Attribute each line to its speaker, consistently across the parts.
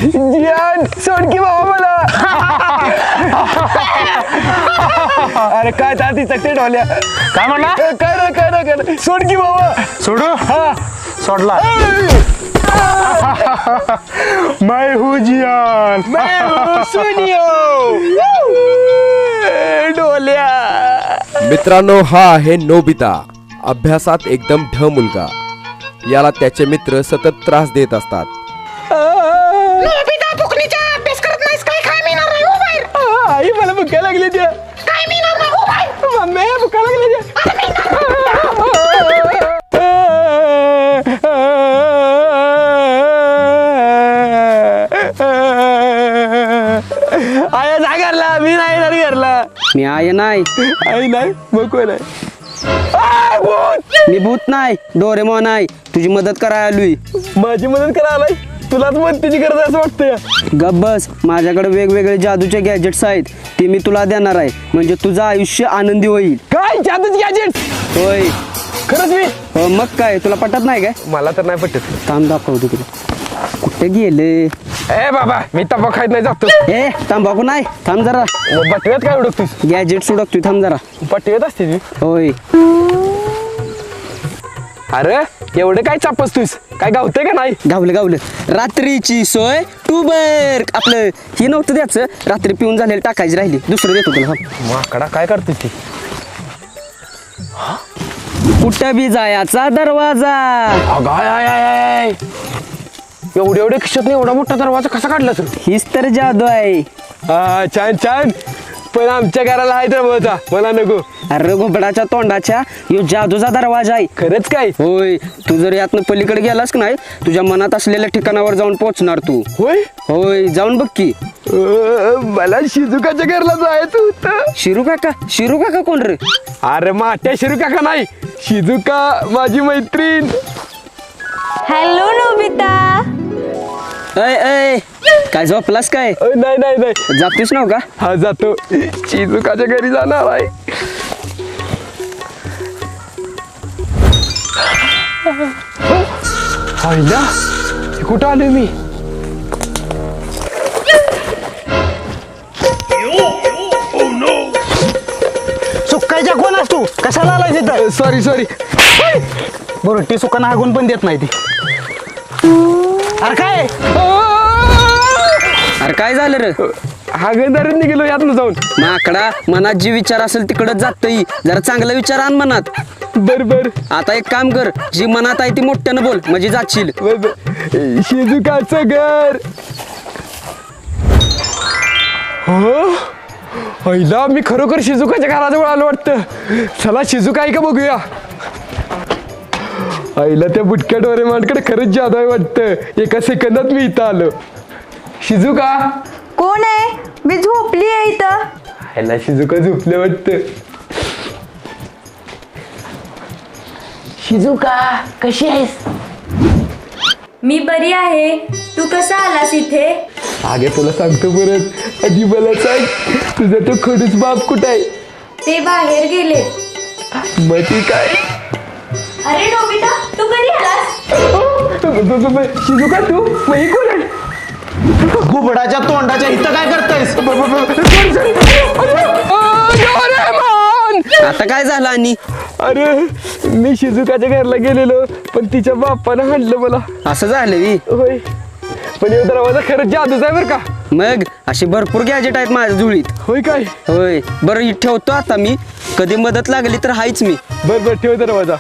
Speaker 1: जियान सोड की बाबा मला. अरे काय ती चकते ढोल्या.
Speaker 2: काय म्हणला?
Speaker 1: काय सोड की बाबा.
Speaker 2: सोडू?
Speaker 1: हा
Speaker 2: सोडला. मैं हूँ जियान.
Speaker 1: मैं हूँ सुनियो. ढोल्या.
Speaker 3: मित्रांनो, हा आहे नोबिता. अभ्यासात एकदम ढ मुलगा. याला त्याचे मित्र सतत त्रास देत असतात.
Speaker 4: नोबिता फुकणीचा अभ्यास करत नाहीस काय? काय मिळणार नाही हो बाहेर.
Speaker 1: आई मला भुका लागली त्या.
Speaker 4: काय मिळणार नाही हो बाहेर.
Speaker 1: मम्मी भुका लागली त्या. आया जा घरला. मी नाही येणार घरला.
Speaker 5: मी आहे नाही.
Speaker 1: आई नाही मग कोण आहे?
Speaker 5: मी भूत नाही, डोरेमॉन आहे. तुझी मदत करायला आलोय.
Speaker 1: माझी मदत करायला तुलाच मदतीची गरज आहे असं वाटतंय.
Speaker 5: गप बस. माझ्याकडे वेगवेगळे जादूचे गॅजेट्स आहेत, ते मी तुला देणार आहे. म्हणजे तुझं आयुष्य आनंदी होईल.
Speaker 1: काय जादूच गॅजेट?
Speaker 5: होय.
Speaker 1: खरंच मी?
Speaker 5: हो मग काय, तुला पटत नाही काय?
Speaker 1: मला तर नाही पटत.
Speaker 5: थांब दाखवतो तुला. कुठे गेले?
Speaker 1: ए बाबा मी तंबाखू खायत नाही जातो.
Speaker 5: ए तंबाखू नाही, थांब जरा.
Speaker 1: बटव्यात काय उडकतोस?
Speaker 5: गॅजेट उडकतोय, थांब जरा.
Speaker 1: बटव्यात असते ती.
Speaker 5: होय.
Speaker 1: अरे एवढं काय चापसतोस? काय गावतंय का नाही?
Speaker 5: गावलं. रात्रीची सोय टूबर. आपलं हे नव्हतं द्यायचं, रात्री पिऊन झालेलं टाकायची राहिली. दुसरं देतो तुला.
Speaker 1: माकडा काय करतोस ती?
Speaker 5: कुठं बी जायचा दरवाजा.
Speaker 1: अगाय एवढे खिशात एवढा मोठा दरवाजा कसा काढला तू?
Speaker 5: हीच तर जादू आहे.
Speaker 1: हा छान. पण आमच्या घराला आहे दरवाजा, मला नको.
Speaker 5: अरे घोबडाच्या तोंडाच्या, यो जादूचा दरवाजा आहे.
Speaker 1: खरंच काय?
Speaker 5: होय. तू जर यातनं पलीकडे गेलास की नाही, तुझ्या मनात असलेल्या ठिकाणावर जाऊन पोहोचणार तू. होय जाऊन बघ की.
Speaker 1: मला शिजुकाच्या घरला जायचं होतं.
Speaker 5: शिरू काका कोण रे?
Speaker 1: अरे माट्या शिरू काका नाही, शिजुका माझी मैत्रीण.
Speaker 6: Hello Nobita.
Speaker 5: ऐ काय झोपलास काय?
Speaker 1: नाही
Speaker 5: जातोस नाव का?
Speaker 1: हा जातो. शिजुकाच्या घरी जाणार आहे. कुठं आलोय मी?
Speaker 2: सुकायच्या कोण असतो? कशाला आलाय तिथं?
Speaker 1: सॉरी.
Speaker 2: बरं ती सुकांना हागून पण देत नाही ती. अरे काय?
Speaker 5: अरे काय झालं रे?
Speaker 1: हागणदारीत निघेलो यातनं जाऊन.
Speaker 5: माकडा, मनात जी विचार असेल तिकडच जातही. जरा चांगला विचार आण मनात.
Speaker 1: बर.
Speaker 5: आता एक काम कर, जी मनात आहे ती मोठ्यानं बोल, म्हणजे जाशील.
Speaker 1: शिजुकाचं घर. हो पहिला मी खरोखर शिजुकाच्या घराजवळ आलो वाटतं. चला शिजुका आहे का बघूया. आईला त्या बुटक्या डोरेमॉनकडे खरंच जादू आहे वाटतं. एका सेकंदात मी इथं आलो. शिजुका
Speaker 6: कोण आहे? मी झोपली आहे इथं.
Speaker 1: आईला शिजुका झोपले वाटतं. शिजुका कशी आहेस?
Speaker 6: मी बरी आहे. तू कसा आलास इथे?
Speaker 1: आगे तुला सांगतो परत. आधी मला सांग, तुझा तो खडूस बाप कुठं आहे?
Speaker 6: ते बाहेर गेले.
Speaker 1: मग ती काय?
Speaker 6: अरे नोबिता, तू कधी आलास?
Speaker 1: शिजुका तू मग ही कोण आहे?
Speaker 2: घुबडाच्या तोंडाच्या इथं काय करतायस?
Speaker 5: आता काय झालं? आणि
Speaker 1: अरे मी शिजुकाच्या घरला गेलेलो, पण तिच्या बाप्पानं हाणलं मला.
Speaker 5: असं झालं बी?
Speaker 1: होय. पण हे दरवाजा खरंच जादूच आहे बरं का.
Speaker 5: मग अशी भरपूर गॅजेट आहेत माझ्या जुळीत.
Speaker 1: होय काय?
Speaker 5: होय. बरं ठेवतो आता मी. कधी मदत लागली तर हायच मी.
Speaker 1: बर ठेव दरवाजा.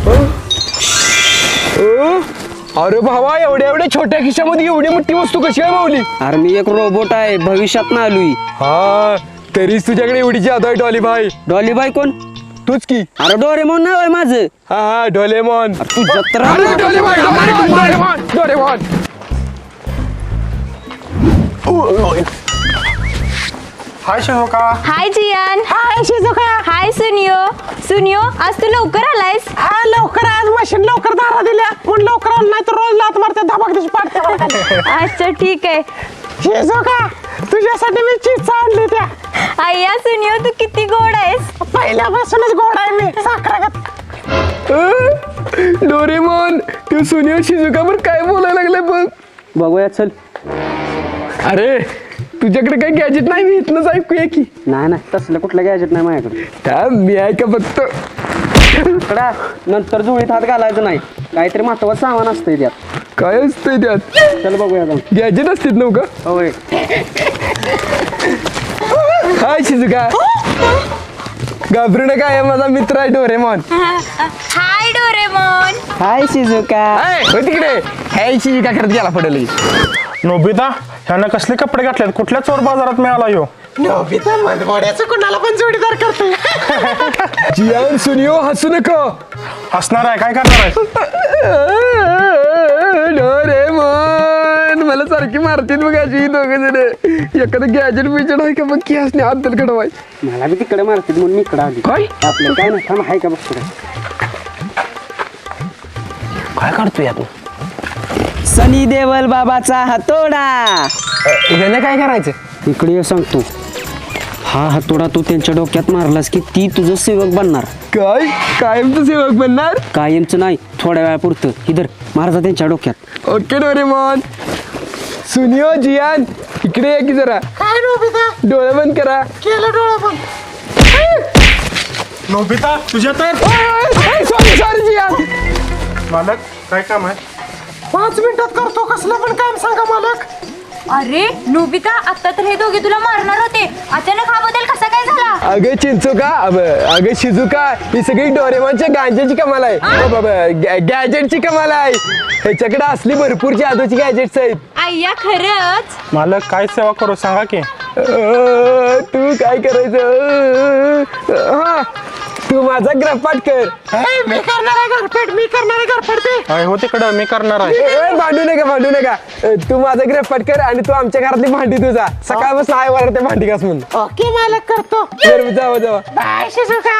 Speaker 1: अरे भावा, एवढ्या छोट्या खिशामध्ये एवढी मोठी वस्तू कशी आहे माऊली?
Speaker 5: अरे मी एक रोबोट आहे, भविष्यात ना आलोय.
Speaker 1: हा तरीच तुझ्याकडे एवढी जादू आहे. डॉली भाई.
Speaker 5: डॉली बाई कोण?
Speaker 1: तूच की.
Speaker 5: अरे डोरेमॉन नाव आहे माझं.
Speaker 1: हा डोलेमॉन.
Speaker 5: तू जत्रा.
Speaker 1: Doraemon.
Speaker 2: Hi Shizuka.
Speaker 6: Hi Gian.
Speaker 4: Hi Shizuka.
Speaker 6: Hi Suneo, आज तू लवकर आलायस?
Speaker 4: हा लवकर. आज मशीन लवकर दारा दिल्या पण लवकर आलं नाही तर रोज लात मारते धबाकदीशी पाडते.
Speaker 6: अच्छा ठीक आहे.
Speaker 4: शिजुका तुझ्यासाठी मी चीज आणली त्या.
Speaker 6: आय्या सुनियो, तू किती गोड आहेस.
Speaker 4: पहिल्यापासूनच गोड आहे मी, साखरागत.
Speaker 1: डोरेमॉन तू सुनियो शिजुकावर काय बोलायला लागलाय बघ.
Speaker 5: बघूया चल.
Speaker 1: अरे तुझ्याकडे काही गॅजेट नाही मी इथनंच ऐकूया की
Speaker 5: नाही नाही तसलं कुठलं गॅजेट नाही माझ्याकडे.
Speaker 1: मी ऐका फक्त
Speaker 5: कडा नंतर झोळीत हात घालायचं नाही, काहीतरी महत्वाचं सामान असतंय त्यात.
Speaker 1: काय असतंय त्यात
Speaker 5: चल बघूया जाऊन.
Speaker 1: गॅजेट असतात नव्हतं
Speaker 5: होय.
Speaker 1: हाय शिजुका घाबरू नका हे माझा मित्र आहे Doraemon.
Speaker 6: Hi Doraemon.
Speaker 5: Hi Shizuka.
Speaker 1: हो तिकडे हाय शिजुका करत गेला पडेल.
Speaker 7: नोबिता ह्यानं कसले कपडे घातलेत, कुठल्या चोर बाजारात मिळाला ह्यो?
Speaker 4: नोबिता मनमोड्याचं कुणाला पण जोडीदार करतोय.
Speaker 1: जियान सुनियो हसू नको.
Speaker 7: हसणार आहे, काय करणार आहे?
Speaker 1: डोरेमॉन मला सारखी मारतील बघ अशी दोघं जण. एखादं गॅजेट बिजेट आहे का बघ की हसणे अद्दल कडवाय.
Speaker 5: मला बी तिकडे मारतील म्हणून मी इकडे आली.
Speaker 1: काय
Speaker 5: आपलं काय नाही, थांब आहे का बघतो.
Speaker 1: काय करतोय तू?
Speaker 5: सनी देवल बाबाचा हातोडा.
Speaker 1: यानं काय करायचं?
Speaker 5: इकडे ये सांगतो. हा हातोडा तू त्यांच्या डोक्यात मारलास की ती तुझं सेवक बनणार.
Speaker 1: काय कायमचं सेवक बनणार?
Speaker 5: कायमचं नाही, थोड्या वेळापुरतं. इधर मारता त्यांच्या डोक्यात.
Speaker 1: Okay Doraemon. सुनियो जियान इकडे या की जरा.
Speaker 4: काय नोबिता
Speaker 1: डोळे बंद करा.
Speaker 4: केलं डोळा पण.
Speaker 7: नोबिता तुझ्या तर
Speaker 1: सॉरी सॉरी जियान.
Speaker 7: मालक काय काम आहे?
Speaker 4: 5 मिनिटात करतो कसलं पण काम सांगा मालक.
Speaker 6: अरे नोबिता आता तर हे दोघे तुला मारणार होते, अचानक हा बदल कसा काय झाला?
Speaker 1: अगं चिंचुका अगं शिजुका ही सगळी डोरेमॉनच्या गांजेची कमाल आहे. गॅजेटची कमाल आहे. ह्याच्याकडे असली भरपूर जादूची गॅजेट्स आहेत.
Speaker 6: आय्या खरंच?
Speaker 7: मालक काय सेवा करू सांगा की.
Speaker 1: तू काय करायचं? हा तू माझा ग्रहपाठ कर.
Speaker 4: मी करणार आहे घरपेट, मी करणार आहे घरपेट ते.
Speaker 7: आहे हो तिकडं, मी करणार आहे.
Speaker 1: भांडू नका. तू माझा ग्रहपाठ कर आणि तू आमच्या घरातली भांडी तुझा सकाळपासून आहे वर ते भांडी घास म्हणून.
Speaker 4: ओके मालक करतो.
Speaker 1: बरं, जावा
Speaker 4: बाय शिजुका.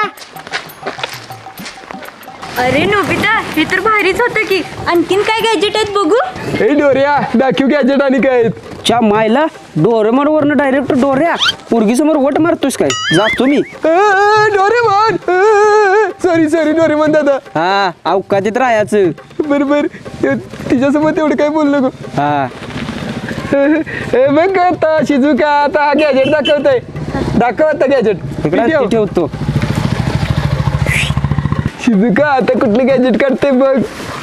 Speaker 6: अरे नोबिता हे तर भारीच होतं की. आणखीन काय गॅजेट आहेत बघू?
Speaker 1: हे डोऱ्या दाखव गॅजेट आणि काय आहेत.
Speaker 5: च्या मायला डोरेमॉन वरनं डायरेक्ट डोऱ्या पोरगी समोर वट मारतोस काय? जातो मी.
Speaker 1: डोरेमॉन सॉरी डोरेमॉन दादा.
Speaker 5: हा अवकाशात राहायचं.
Speaker 1: बरोबर तिच्यासोबत एवढं काय बोलू नको.
Speaker 5: हा
Speaker 1: हे बघ आता शिजुका आता हा गॅजेट दाखव आता गॅजेट
Speaker 5: इकडे ठेवतो.
Speaker 1: शिजुका आता कुठलं गॅजेट काढते बघ.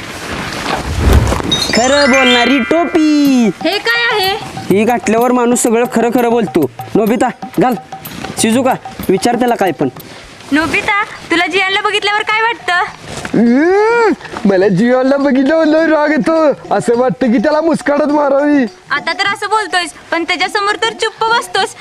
Speaker 5: खरं बोलणारी टोपी.
Speaker 6: हे काय आहे?
Speaker 5: ही घातल्यावर माणूस सगळं खरं खरं बोलतो. नोबिता घाल. शिजुका विचार त्याला काय पण.
Speaker 6: नोबिता तुला जियानला बघितल्यावर काय वाटतं?
Speaker 1: मला जीवाला बघितलं राग येतो. असं वाटतं की त्याला मुस्काडत मारावी.
Speaker 6: आता तर असं बोलतोयस पण त्याच्या समोर तर चुप्प बसतोस.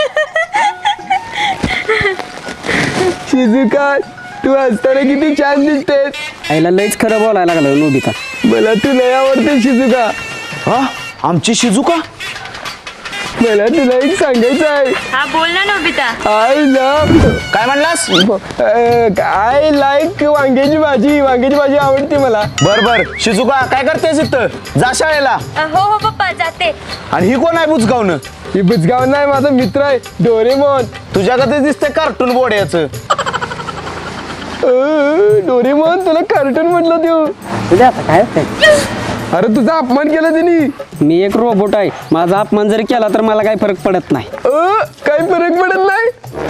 Speaker 1: शिजुका तू असताना किती छान दिसतेस.
Speaker 5: आईला लयच खरं बोलायला लागलं नोबिता.
Speaker 1: मला तू लय आवडते शिजुका.
Speaker 2: हा आमची शिजुका.
Speaker 1: मला तुला एक सांगायचं आहे.
Speaker 6: हा बोल ना नोबिता.
Speaker 1: आय लव्ह
Speaker 2: काय म्हणलास?
Speaker 1: आय लाईक वांग्याची भाजी आवडते मला.
Speaker 2: बर शिजुका काय करतेस इथं? जा शाळेला.
Speaker 6: हो पप्पा जाते.
Speaker 2: आणि ही कोण आहे बुजगावनं?
Speaker 1: ही बुजगाव नाही माझा मित्र आहे डोरेमॉन.
Speaker 2: तुझ्याकडे दिसतंय कार्टून बोर्ड्याचं.
Speaker 1: डोरेमॉन तुला कार्टून म्हटलं देऊ.
Speaker 5: तुझ्या आता काय होतंय?
Speaker 1: अरे तुझा अपमान केला त्यांनी.
Speaker 5: मी एक रोबोट आहे. माझा अपमान जरी केला तर मला काही फरक पडत नाही.
Speaker 1: काही फरक पडत नाही.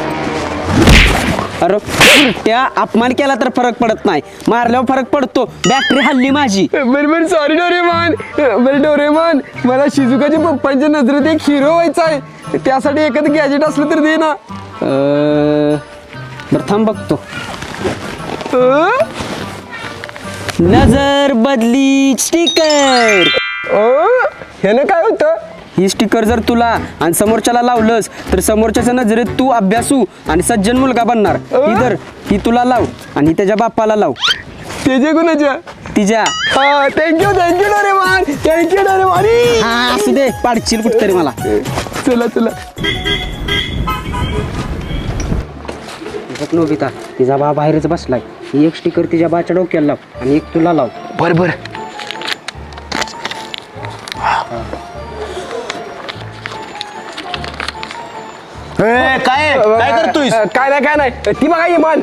Speaker 5: अरे त्या अपमान केला तर फरक पडत नाही, मारल्यावर फरक पडतो. बॅटरी हल्ली माझी.
Speaker 1: बरोबर सॉरी डोरेमॉन. बरं डोरेमॉन मला शिजुकाच्या पप्पांच्या नजरेत एक हिरो व्हायचा आहे. त्यासाठी एखादं गॅजेट असलं तर दे ना.
Speaker 5: बरं थांब बघतो. नजर बदली स्टिकर.
Speaker 1: ह्यानं काय होतं?
Speaker 5: ही स्टिकर जर तुला आणि समोरच्याला लावलंस तर समोरच्याच्या नजरेत तू अभ्यासू आणि सज्जन मुलगा बनणार. इधर ही तुला लाव आणि त्याच्या बाप्पाला लाव.
Speaker 1: त्याच्या कोणाच्या?
Speaker 5: तिच्या.
Speaker 1: Thank you Doraemon.
Speaker 5: हा असू दे, पाडशील कुठतरी मला.
Speaker 1: चला
Speaker 5: नोबिता तिचा बा बाहेरच बसलाय. ही एक स्टिकर तिच्या बाच्या डोक्याला लाव आणि एक तुला लाव.
Speaker 2: बर काय करतोय?
Speaker 1: काय नाही ती बघा इमान.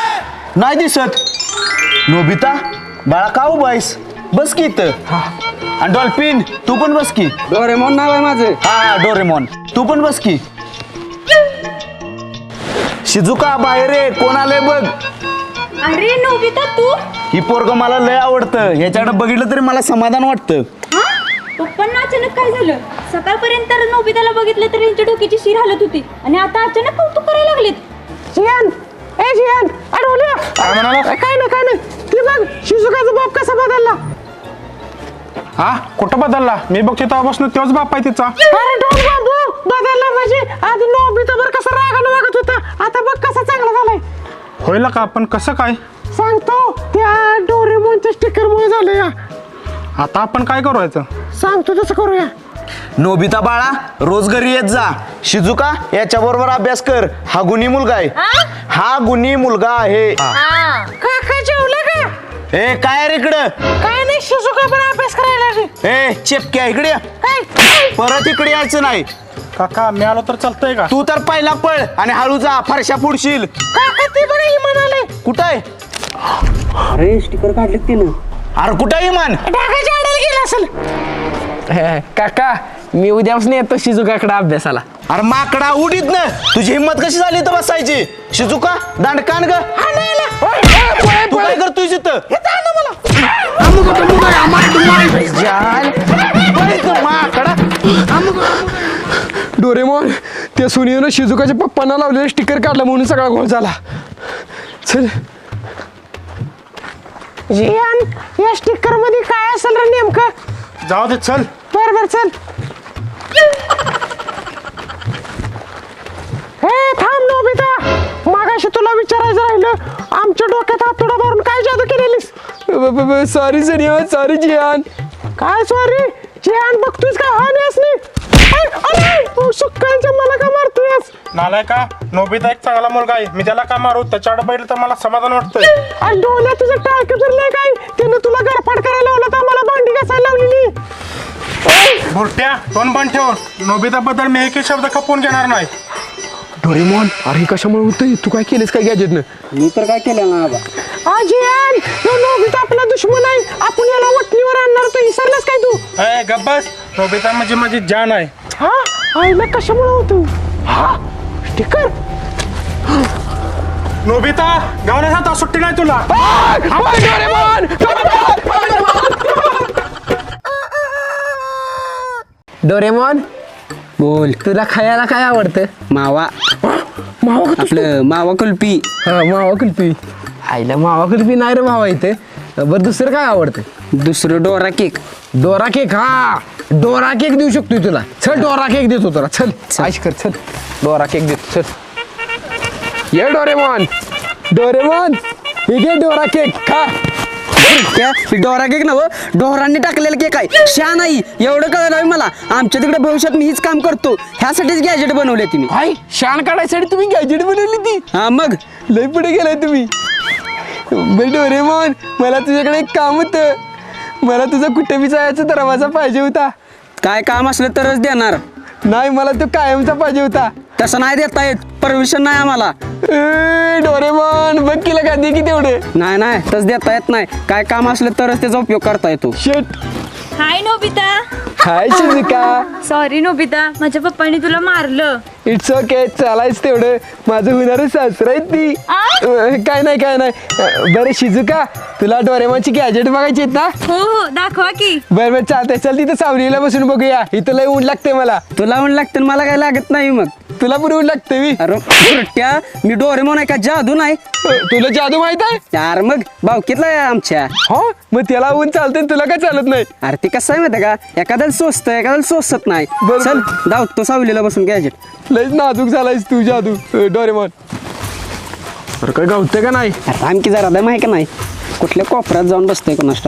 Speaker 2: नाही दिसत. नोबिता बाळा का उभायस? बस की इथं. आणि डॉल्फिन तू पण बस की.
Speaker 5: डोरेमॉन नाव आहे माझं.
Speaker 2: हा डोरेमॉन तू पण बस की. शिजुका बाहेर ये, कोण आलंय बघ.
Speaker 6: अरे नोबिता तू
Speaker 2: ही पोरग मला लय आवडतं, ह्याच्याकडे बघितलं तरी मला समाधान वाटतं.
Speaker 6: हा पप्पांना अचानक काय झालं? सकाळपर्यंत तर नोबिताला बघितलं तर यांच्या डोक्याची शिर हालत होती आणि आता अचानक कौतुक करायला लागलेत.
Speaker 4: जियान ए जियान अडवल्या.
Speaker 7: काय म्हणाला?
Speaker 4: काय नाही ती बघ शिजुकाचा बाप कसा बदलला.
Speaker 7: हा कुठं बदलला? मी बघतो तेव्हापासून तोच बाप आहे तिचा.
Speaker 4: अरे डोल बाबू बदलला म्हणजे आधी नोबिता बरं कसा रागानं वागत होता, आता बघ कसा चांगला झालाय.
Speaker 7: होईल का? पण कसं काय?
Speaker 4: सांगतो त्या डोरेमोनच्या स्टिकर मुळे झालं या.
Speaker 7: आता आपण काय करायचं?
Speaker 4: सांगतो तसं करूया.
Speaker 2: नोबिता बाळा रोज घरी येत जा. शिजुका याच्या बरोबर अभ्यास कर, हा गुणी मुलगा आहे. हा गुणी मुलगा आहे.
Speaker 4: काका जेवलं का?
Speaker 2: ए काय रे इकडं?
Speaker 4: काय नाही शिजुका पण अभ्यास करायला लागली.
Speaker 2: ए चेपक्या इकडे ये.
Speaker 4: काय
Speaker 2: परत इकडे यायचं नाही.
Speaker 7: काका मी आलो तर चालतंय का?
Speaker 2: तू तर पहिला पळ आणि हळू जा, फरशा पुढशील.
Speaker 4: काका ते बरं ही म्हणाले
Speaker 2: कुठं आहे?
Speaker 5: अरे स्टिकर काढलेत तिनं.
Speaker 2: अरे कुठं आहे इमान?
Speaker 4: ढाकाच्या आडायला गेला असेल.
Speaker 1: काका मी उद्यापासून येतो शिजुकाकडे अभ्यासाला.
Speaker 2: अरे माकडा उडीत ना, तुझी हिंमत कशी झाली तर बसायची? शिजुका दांडकान ग. तू काय करतोय तिथं? माकडा.
Speaker 1: डोरेमॉन त्या सुनीनं शिजुकाच्या पप्पांना लावलेलं स्टिकर काढलं म्हणून सगळा घोळ झाला. चल
Speaker 4: जियान या स्टिकर मध्ये काय असेल रे नेमकं?
Speaker 7: जाऊ दे चल.
Speaker 4: बर चल. हे थांब नोबिता, मागाशी तुला विचारायचं राहिलं, आमच्या डोक्यात हातोडा मारून काय जादू केलेलीस?
Speaker 1: सॉरी सनिया, सॉरी जियान.
Speaker 4: काय सॉरी जियान, बघतोयस का हा नेस नाही सुक्कांच्या मला का मारतोयस?
Speaker 7: नालाय का? नोबिता एक चांगला मुलगा आहे, मी त्याला का मारू? त्याच्याकडे बघितलं तर मला समाधान वाटतंय.
Speaker 4: आणि डोळ्यात तुझं टाळकं फिरलंय काय? त्यानं तुला गरफाट करायला लावलं तर मला भांडी घासायला लावलेली.
Speaker 7: बुरट्या तोंड बंद ठेव. नोबिता बद्दल मी एकही शब्द खपवून घेणार नाही.
Speaker 1: डोरेमॉन अरे कशामुळे होतंय? तू काय केलेस काय गॅजेटनं?
Speaker 5: मी तर काय केलं ना बाबा.
Speaker 4: जियान तो नोबिता आपला दुश्मन आहे, आपण याला वटणीवर आणणार, तो विसरलास काय तू?
Speaker 7: ए गब्बस, नोबिता म्हणजे माझी जान आहे.
Speaker 4: हा आईला कशामुळे होतो? हा स्टिकर.
Speaker 7: नोबिता गावण्याचा आता सुट्टी नाही तुला.
Speaker 1: डोरेमॉन
Speaker 5: बोल.
Speaker 1: तुला खायला काय आवडतं?
Speaker 5: मावा. आपलं मावा कुल्फी.
Speaker 1: हा मावा कुल्फी. आईला मावा कुल्फी नाही रे मावा इथे. बरं दुसरं काय आवडतं?
Speaker 5: दुसरं डोरा केक.
Speaker 1: Dora cake. हा डोरा केक देऊ शकतोय तुला. चल डोरा केक देतो तुला. चल आयश कर. चल डोरा केक देतो. चल ये डोरेमॉन. डोरेमॉन हे घे डोरा केक खा.
Speaker 5: डोरा केक नव डोरांनी टाकलेला केक आहे. शा नाही एवढं कळलं नाही मला. आमच्या तिकडे भविष्यात मी हीच काम करतो. ह्यासाठीच गॅजेट बनवले तुम्ही.
Speaker 1: हाय शान काढायसाठी तुम्ही गॅजेट बनवली ती?
Speaker 5: हा मग
Speaker 1: लय पुढे गेलाय तुम्ही. बरं डोरेमॉन मला तुझ्याकडे एक काम होतं. मला तुझा कुठे बी जायचा दरवाजा पाहिजे होता.
Speaker 5: काय काम असलं तरच देणार.
Speaker 1: नाही मला तो कायमचा पाहिजे होता.
Speaker 5: तसं नाही देता येत. परमिशन नाही आम्हाला.
Speaker 1: डोरेमॉन बघ केलं का दे की तेवढे.
Speaker 5: नाही तसं देता येत नाही. काय काम असलं तरच त्याचा उपयोग करता येतो.
Speaker 1: शेट.
Speaker 6: Hi Nobita.
Speaker 1: Hi Shizuka.
Speaker 6: Sorry Nobita, माझ्या पप्पांनी तुला मारलं.
Speaker 1: इट्स ओके चालायच तेवढं. माझं होणारं सासरा आहे ती. काय नाही. बरं शिजुका तुला डोरेमॉनची गॅजेट बघायची आहेत ना?
Speaker 6: हो दाखवा की.
Speaker 1: बरं चालतंय. चल तिथं सावलीला बसून बघूया. इथं लय ऊन लागते मला.
Speaker 5: तुला ऊन लागतं मला काय लागत नाही. मग
Speaker 1: तुला पण ऊन लागते मी.
Speaker 5: अरे बुरट्या, मी डोरेमॉन आहे का जादू नाही?
Speaker 1: तुला जादू माहित आहे?
Speaker 5: यार मग भावकीतला आहे आमच्या.
Speaker 1: हो मग त्याला ऊन चालतंय तुला काय चालत नाही?
Speaker 5: अरे ते कसं आहे माहिती का, एखाद्याला सोचतं एखाद्याला सोचत नाही.
Speaker 1: बरोबर.
Speaker 5: चल जाऊ तो सावलीला बसून गॅजेट.
Speaker 1: लयच नाजूक झालायस तू जादू डोरेमॉन. अरे काय गावते का नाही?
Speaker 5: आणखी जरा दम आहे का नाही? कुठल्या कोपऱ्यात जाऊन बसतोय कोणाष्ट.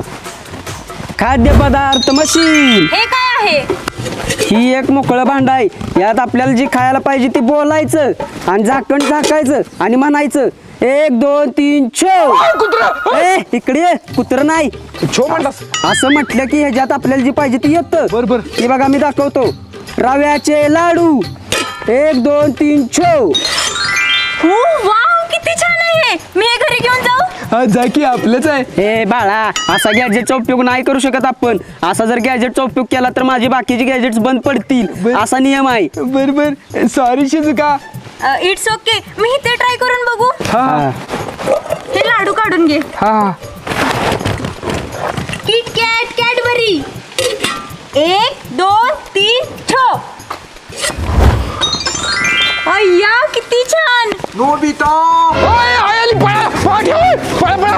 Speaker 5: खाद्यपदार्थ मशीन.
Speaker 6: हे काय आहे?
Speaker 5: ही एक मोकळं भांड आहे. यात आपल्याला जी खायला पाहिजे ती बोलायचं आणि झाकण झाकायचं आणि म्हणायचं 1 2 3 छो. ए इकडे ये. कुत्र नाही
Speaker 1: छो म्हणलास?
Speaker 5: असं म्हटलं की ह्याच्यात आपल्याला जी पाहिजे ती येतं.
Speaker 1: बरोबर.
Speaker 5: हे बघा मी दाखवतो. रव्याचे लाडू 1 2 3 छो.
Speaker 6: वाव किती छान आहे. मी हे घरी घेऊन जाऊ?
Speaker 1: हा जा की आपलंच आहे.
Speaker 5: हे बाळा असा गॅजेटचा उपयोग नाही करू शकत आपण. असा जर गॅजेटचा उपयोग केला तर माझी बाकीची गॅजेट्स बंद पडतील असा नियम आहे.
Speaker 1: बर सॉरी शिजुका.
Speaker 6: It's okay. मी इथे ट्राय करून बघू.
Speaker 1: हा
Speaker 6: हे लाडू काढून घे.
Speaker 1: हा
Speaker 6: किट कॅट कॅडबरी. 1 2 3 ठो. अय्या किती छान.
Speaker 2: नोबिता
Speaker 1: ओय, आय आली, पळा पळा ठेव, पळा पळा.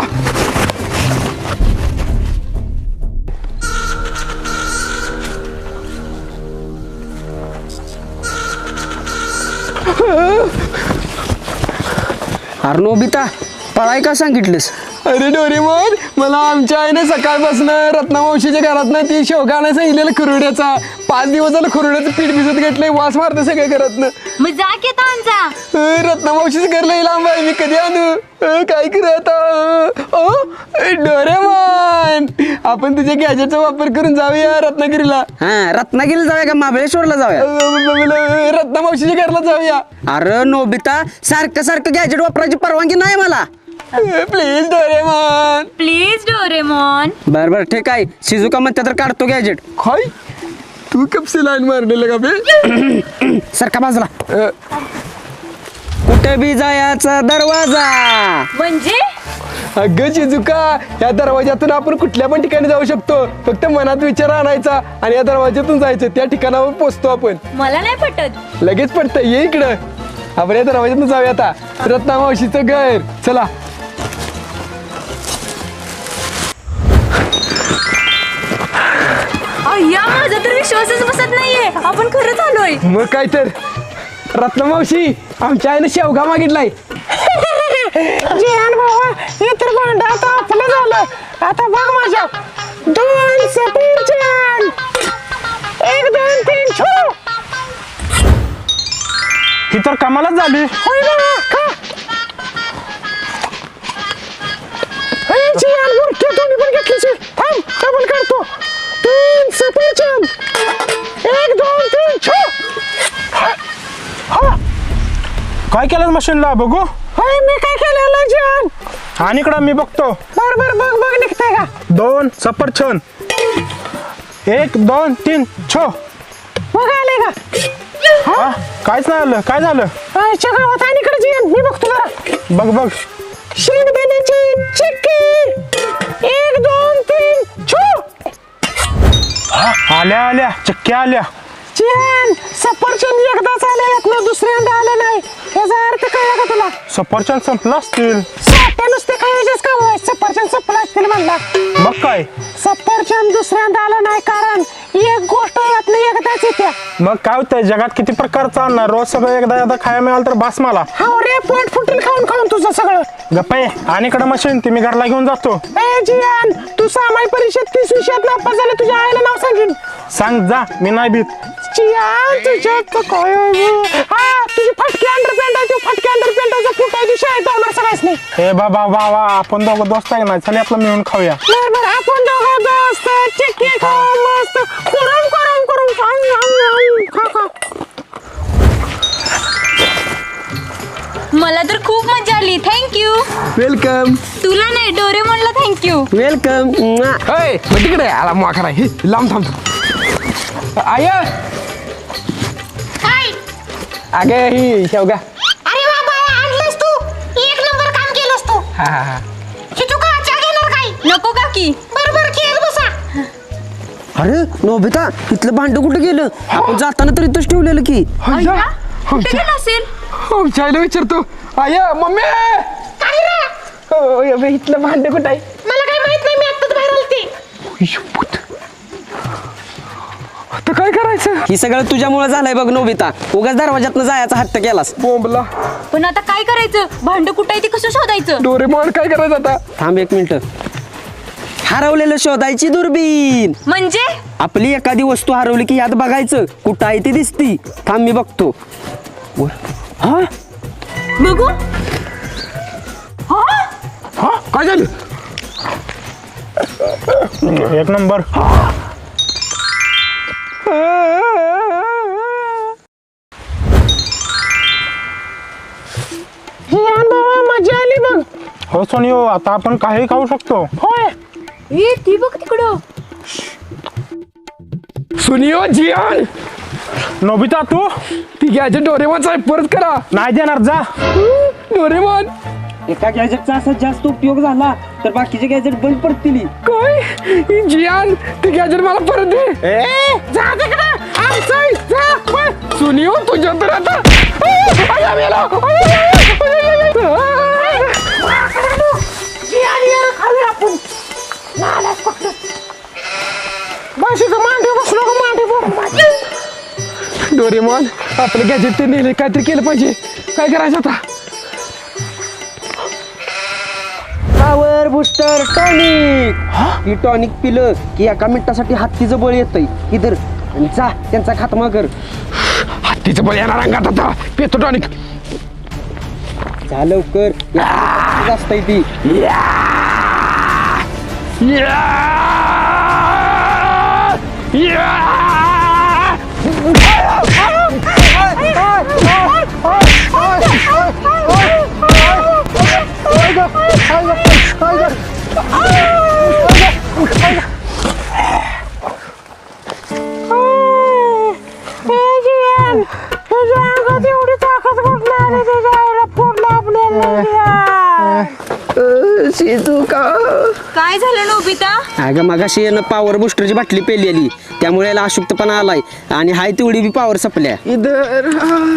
Speaker 5: अरे नोबिता पळाय का सांगितलंस?
Speaker 1: अरे डोरेमोन, मला आमच्या आईने सकाळपासून रत्नामावशीच्या घरातनं ती शेवगा आणायला सांगितलेलं खुरुड्याचा. 5 दिवस झालं खुरुड्याचं पीठ भिजत घेतलंय, वास मारतं सगळ्या घरातनं.
Speaker 6: मग जा की आता आणजा.
Speaker 1: रत्नामावशीचं घर लई लांब आहे, मी कधी आणू? काय करू आता? डोरेमोन, आपण तुझ्या गॅजेटचा वापर करून जाऊया रत्नागिरीला.
Speaker 5: हा रत्नागिरीला जाऊया का महाबळेश्वरला जाऊया?
Speaker 1: रत्नामावशीच्या घरला जाऊया.
Speaker 5: अरे नोबिता सारखं सारखं गॅजेट वापरायची परवानगी नाही मला.
Speaker 1: Please Doraemon.
Speaker 6: Please Doraemon.
Speaker 5: बर ठीक आहे. शिजुका म्हणते तर काढतो गॅजेट.
Speaker 1: काय तू कपसे लाईन मारलेलं का बे?
Speaker 5: सारखा बाजूला. कुठे बी जायचा दरवाजा.
Speaker 6: म्हणजे
Speaker 1: अगं चिजुका, या दरवाज्यातून आपण कुठल्या पण ठिकाणी जाऊ शकतो. फक्त मनात विचार आणायचा आणि या दरवाज्यातून जायचं, त्या ठिकाणावर पोहोचतो आपण.
Speaker 6: मला नाही पटत.
Speaker 1: लगेच पडतं, ये इकडं. आपण या दरवाज्यातून जाऊया आता. रत्नामावशीचं घर, चला.
Speaker 6: अय्या माझा तर विश्वासच बसत नाहीये. आपण खरंच आलोय.
Speaker 1: मग काय तर. रत्नामावशी, आमच्या आईने शेवगा मागितलाय.
Speaker 4: जिहान बाबा हे तर भांडं आता आपलं झालं. आता बघ माझ्या 2 सफरचंद. 1 2 3 छो.
Speaker 7: ही तर कमालच झाली.
Speaker 4: होय बाबा खा. हे जिहान बुरके तुम्ही पण घेतलीच. थांब डबल काढतो. 3 सफरचंद. 1 2 3 छो.
Speaker 7: काय केलं मशीनला बघू.
Speaker 4: होय मी काय केलेलं जिहान?
Speaker 7: आणि इकडं मी बघतो.
Speaker 4: बरोबर बघ निघतंय का?
Speaker 7: 2 सफरचंद. 1 2 3 छो.
Speaker 4: बघ आले का?
Speaker 7: हा काहीच नाही आलं. काय झालं?
Speaker 4: आजच्या गावात आणि इकडे जिहान मी बघतो जरा.
Speaker 7: बघ
Speaker 4: शेंगदाण्याची चिक्की. 1 2 3 छो.
Speaker 7: आल्या चक्क्या आल्या.
Speaker 4: जिहान सफरचंद एकदाच आले ना, दुसऱ्यांदा आलं नाही. याचा अर्थ कळला का तुला?
Speaker 7: सफरचंद संपला असतील.
Speaker 4: साठ्या नुसते खायचेच काम आहे. सफरचंद संपला असतील म्हणला.
Speaker 7: मग काय?
Speaker 4: सफरचंद दुसऱ्यांदा आलं नाही कारण एक गोष्ट यातनं एकदाच येत्या.
Speaker 7: मग काय होतंय, जगात किती प्रकारचं आणणार. रोज सगळं एकदा खायला मिळालं तर बास मला.
Speaker 4: हाव रे पोट फुटेल खाऊन खाऊन तुझं सगळं.
Speaker 7: गप्पा आणि इकडं मशीन ती मी घरला घेऊन जातो.
Speaker 4: ए जिहान, तू सामाई परीक्षेत 30 विषयात नापास झाले. तुझ्या आईला नाव सांगेन.
Speaker 7: सांग जा, मी नाही भीत.
Speaker 4: जिहान तुझ्यात काय हा तुझी फटकी अंडरपॅन्ट आहे. तू फटकी अंडरपॅन्टचा फुट आहे. तू शाळेत जाणार सगळ्याच नाही.
Speaker 7: हे बाबा आपण दोघं दोस्त आहे ना, चल आपलं मिळून खाऊया.
Speaker 4: बरोबर आपण दोघं दोस्त चिक्की खाऊ मस्त करून करून करून खा खा.
Speaker 6: मला तर खूप मजा आली. थँक्यू.
Speaker 1: वेलकम.
Speaker 6: तुला नाही डोरेमॉनला थँक्यू.
Speaker 5: वेलकम.
Speaker 1: होय मग तिकडे आला माकडा. हे लांब थांब. आय
Speaker 6: हाय.
Speaker 1: अगे ही शेवगा.
Speaker 4: अरे बाबा आणलंस तू. 1 नंबर काम केलंस तू.
Speaker 1: हा
Speaker 4: शिजुका चहा घेणार काय?
Speaker 6: नको काकी.
Speaker 4: बरोबर खेळ बसा.
Speaker 5: अरे नोबिता इथलं भांड कुठं गेलं? आपण जाताना तर इथंच ठेवलेलं की.
Speaker 6: अय्या कुठे गेला असेल?
Speaker 1: आमच्या आईला विचारतो. आय मम्मी,
Speaker 4: काय रे?
Speaker 1: इथलं भांडे कुठं आहे?
Speaker 4: मला काय माहित नाही. मी आत्ताच बाहेर आलते.
Speaker 1: आता काय करायचं?
Speaker 5: ही सगळं तुझ्यामुळे झालंय बघ नोबिता. उगाच दरवाजातनं जायचा हट्ट केलास.
Speaker 1: बोंबला.
Speaker 6: पण आता काय करायचं? भांड कुठं आहे ते कसं शोधायचं?
Speaker 1: डोरेमॉन काय करायचं आता?
Speaker 5: थांब 1 मिनिट. हरवलेलं शोधायची दुर्बीण.
Speaker 6: म्हणजे
Speaker 5: आपली एखादी वस्तू हरवली की यात बघायचं कुठं आहे ती दिसती. थांब मी बघतो. हा
Speaker 6: बघू.
Speaker 1: हा काय झालं?
Speaker 7: 1 नंबर.
Speaker 4: जिहान बाबा मजा आली बघ.
Speaker 7: हो सोनियो, आता आपण काही खाऊ शकतो.
Speaker 4: होय
Speaker 6: ए ती बघ तिकडं.
Speaker 1: सुनियो जियान
Speaker 7: नोबिता तू
Speaker 1: ती गॅजेट डोरेमॉनचा आहे, परत करा.
Speaker 7: नाही देणार, जा.
Speaker 1: डोरेमॉन
Speaker 5: एका गॅजेटचा असा जास्त उपयोग झाला तर बाकीचे गॅजेट बंद पडतील.
Speaker 1: काय जियान ती गॅजेट मला परत दे.
Speaker 4: जा तिकडे आमचं आहे, जा पळ.
Speaker 1: सुनियो तुझ्या तर आता
Speaker 4: जियान ये खाली आपण नालाच पकडलं. बस इथं मांडी बसलो का मांडी बोल.
Speaker 1: डोरेमॉन आपलं गॅजेट ते नेले, काहीतरी केलं पाहिजे. काय करायचं आता?
Speaker 5: Power booster tonic. ही टॉनिक पिलं की एका मिनिटासाठी हत्तीचं बळ येतंय. इधर आणि जा त्यांचा खात्मा कर.
Speaker 1: हत्तीचं बळ येणार अंगात आता. पेतो टॉनिक.
Speaker 5: जा लवकर, असतंय ती.
Speaker 4: एवढी ताकद कुठली आली तुझ्या आईला फोडलं आपल्याला.
Speaker 1: शिजुका
Speaker 6: काय झालं नोबिता?
Speaker 5: अगं मगाशी यानं पॉवर बुस्टरची बाटली पेलेली त्यामुळे याला अशुद्धपणा आलाय आणि हाय तेवढी बी पॉवर संपल्या.
Speaker 1: इधर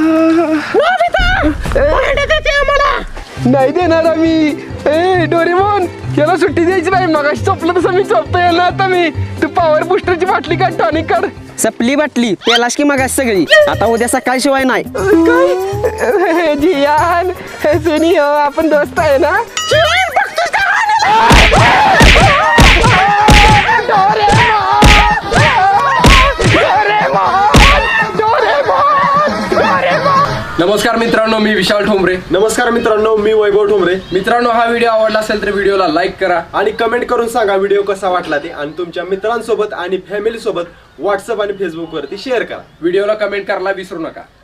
Speaker 1: नाही देणार आम्ही. ए डोरेमॉन याला सुट्टी द्यायची नाही. मगाशी चोपलं तसं मी चोपतो याला. आता मी तू पॉवर बुस्टरची बाटली काढ, टॉनिक काढ.
Speaker 5: सपली बाटली पेलास की मगाशी सगळी. आता उद्या सकाळी शिवाय नाही.
Speaker 1: काय जियान सुनियो आपण दोस्त आहे ना.
Speaker 3: नमस्कार मित्रांनो, मी विशाल ठोंबरे.
Speaker 8: नमस्कार मित्रांनो, मी वैभव ठोंबरे.
Speaker 3: मित्रांनो, हा व्हिडिओ आवडला असेल तर व्हिडिओला लाईक करा
Speaker 8: आणि कमेंट करून सांगा व्हिडिओ कसा वाटला ते, आणि तुमच्या मित्रांसोबत आणि फॅमिली सोबत व्हॉट्सअप आणि फेसबुक वरती शेअर करा.
Speaker 3: व्हिडिओला कमेंट करायला विसरू नका.